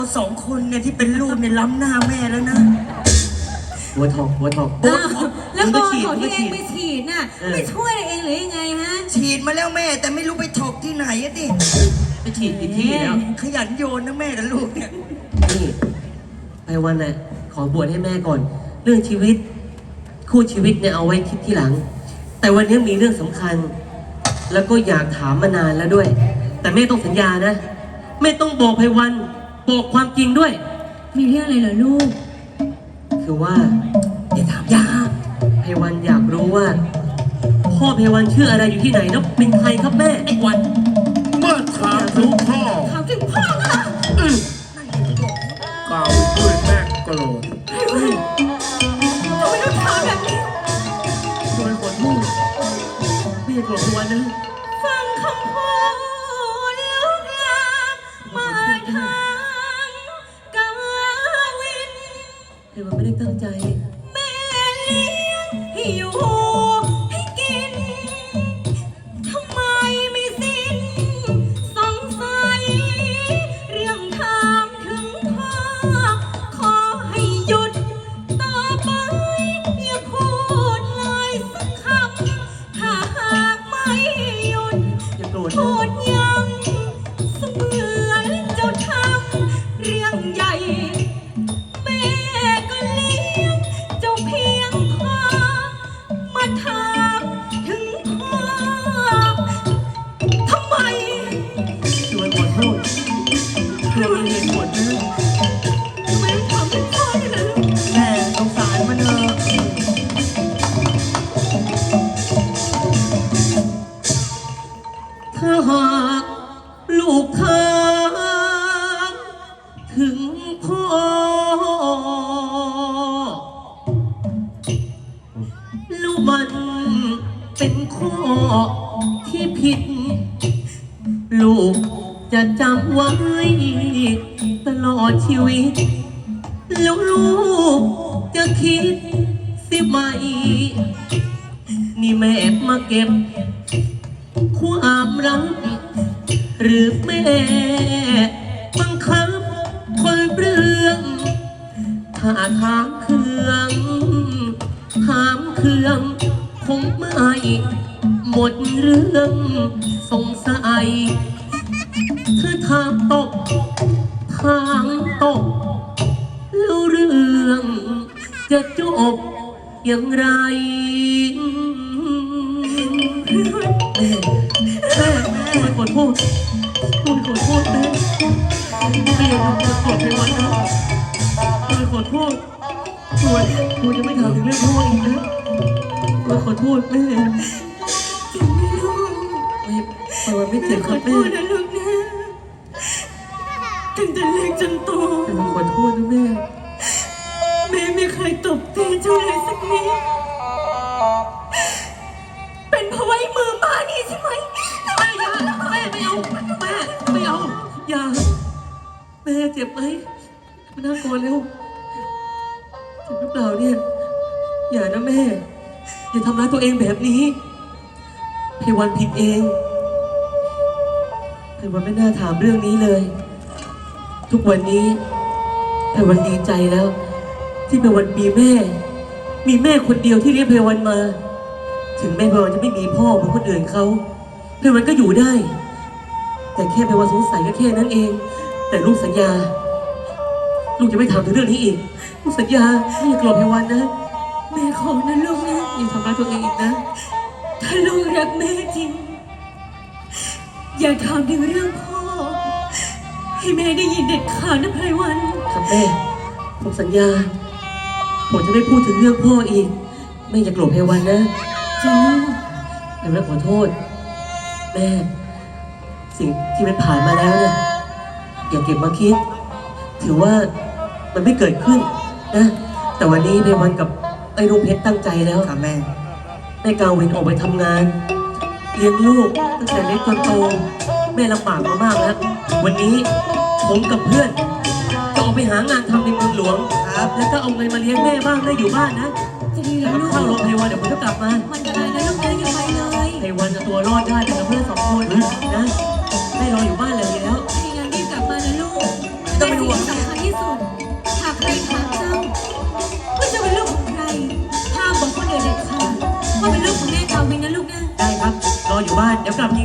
สองคนเนี่ยที่เป็นลูกเนี่ยล้ำหน้าแม่แล้วนะหัวทองแล้วบอลของที่เองไปฉีดน่ะไม่ช่วยเองหรือยังไงฮะฉีดมาแล้วแม่แต่ไม่รู้ไปถกที่ไหนอะดิไปฉีดผิดที่แล้วขยันโยนนะแม่กับลูกเนี่ยนี่ไปวันน่ะขอบวชให้แม่ก่อนเรื่องชีวิตคู่ชีวิตเนี่ยเอาไว้คิดที่หลังแต่วันนี้มีเรื่องสำคัญแล้วก็อยากถามมานานแล้วด้วยแต่แม่ต้องสัญญานะแม่ต้องบอกไพวันบอกความจริงด้วยมีเรื่องอะไรเหรอลูกคือว่าอย่าถามยาไพวันอยากรู้ว่าพ่อไพวันชื่ออะไรอยู่ที่ไหนแล้วเป็นใครครับแม่ไอ้วันเมื่อถามถึงพ่อถามถึงพ่อค่ะกล่าวด้วยแม่โกรธทำไมต้องถามแบบนี้โดยขอโทษไม่โกรธไพวันนะฟังคำพูดลูกลามาทางกาวินไพวันไม่ได้ตั้งใจแม่เลี้ยงให้อยู่ให้กินทำไมไม่สิ้นสงสัยเรื่องถามถึงพ่อขอให้หยุดต่อไปอย่าพูดเลยสักคำถ้าหากไม่หยุดอย่าโกรธพูดยังเสมือนเจ้าทำเรื่องใหญ่แม่ก็เลี้ยงเจ้าเพียงพอมาถามถึงพ่อทำไมชวนขอโทษชวนมีเหตุผลนะทำไมต้องถามถึงพ่อด้วยล่ะลูกแม่สงสารมันเถอะถ้าหากลูกถามถึงพ่อลูกมันเป็นข้อที่ผิดลูกจะจำไว้ตลอดชีวิตแล้วลูกจะคิดสิไหมนี่แม่มาเก็บความรักหรือแม่บังคับคนเปลืองถ้าถามเครื่องคงไม่หมดเรื่องสงสัยคือถามตกแล้วเรื่องจะจบอย่างไรแม่ขอโทษแม่ไม่อยากจะกดในวันนั้นขอโทษตัวจะไม่ถามถึงเรื่องพ่ออีกนะขอโทษแม่ไม่เจ็บครับแม่นะลูกนะตั้งแต่เล็กจนโตขอโทษนะแม่ไม่เคยตบตีเจ้าเลยสักนิดเป็นเพราะไว้มือมานี่ใช่ไหมแม่ไม่เอาอย่าแม่เจ็บไหมมานั่งก่อนเร็วเจ็บหรือเปล่าเนี่ยอย่านะแม่อย่าทำร้ายตัวเองแบบนี้ไพวันผิดเองไพวันไม่น่าถามเรื่องนี้เลยทุกวันนี้ไพวันดีใจแล้วที่ไพวันมีแม่คนเดียวที่เลี้ยงไพวันมาถึงแม่ไพวันจะไม่มีพ่อเหมือนคนอื่นเขาไพวันก็อยู่ได้แต่แค่ไพวันสงสัยก็แค่นั้นเองแต่ลูกสัญญาลูกจะไม่ถามถึงเรื่องนี้อีกลูกสัญญาไม่อยากโกรธไพวันนะแม่ขอนะลูกนะอย่าทำร้ายตัวเองอีกนะถ้าลูกรักแม่จริงอย่าถามถึงเรื่องพ่อให้แม่ได้ยินเด็ดขาดนะไพวันครับแม่ผมสัญญาผมจะไม่พูดถึงเรื่องพ่ออีกแม่อย่าโกรธไพวันนะจริงแม่ขอโทษแม่สิ่งที่มันผ่านมาแล้วเนี่ยอย่าเก็บมาคิดถือว่ามันไม่เกิดขึ้นนะแต่วันนี้ไพวันกับไอ้ลุงเพชรตั้งใจแล้วครับแม่กาวินออกไปทำงานเลี้ยงลูกตั้งแต่เล็กจนโตแม่ลำบากมามากแล้ววันนี้ผมกับเพื่อนจะออกไปหางานทำในเมืองหลวงครับแล้วก็เอาเงินมาเลี้ยงแม่บ้างได้อยู่บ้านนะจะดีแล้วลูกเข้าโรงพยาบาลเดี๋ยวผมจะกลับมามันจะได้นะลูกนะอย่าไปเลยไพวันจะตัวรอดได้แต่กับเพื่อน2 คนนะแม่รออยู่บ้านเลยแล้วงั้นรีบกลับมานะลูกต้องเป็นห่วงและสิ่งสำคัญที่สุดหากใครถามเจ้าว่าเจะเป็นลูกของใครห้ามบอกคนอื่นเด็ดขาดว่าเป็นลูกของแม่ทาวินนะลูกนะได้ครับ รออยู่บ้าน เดี๋ยวกลับที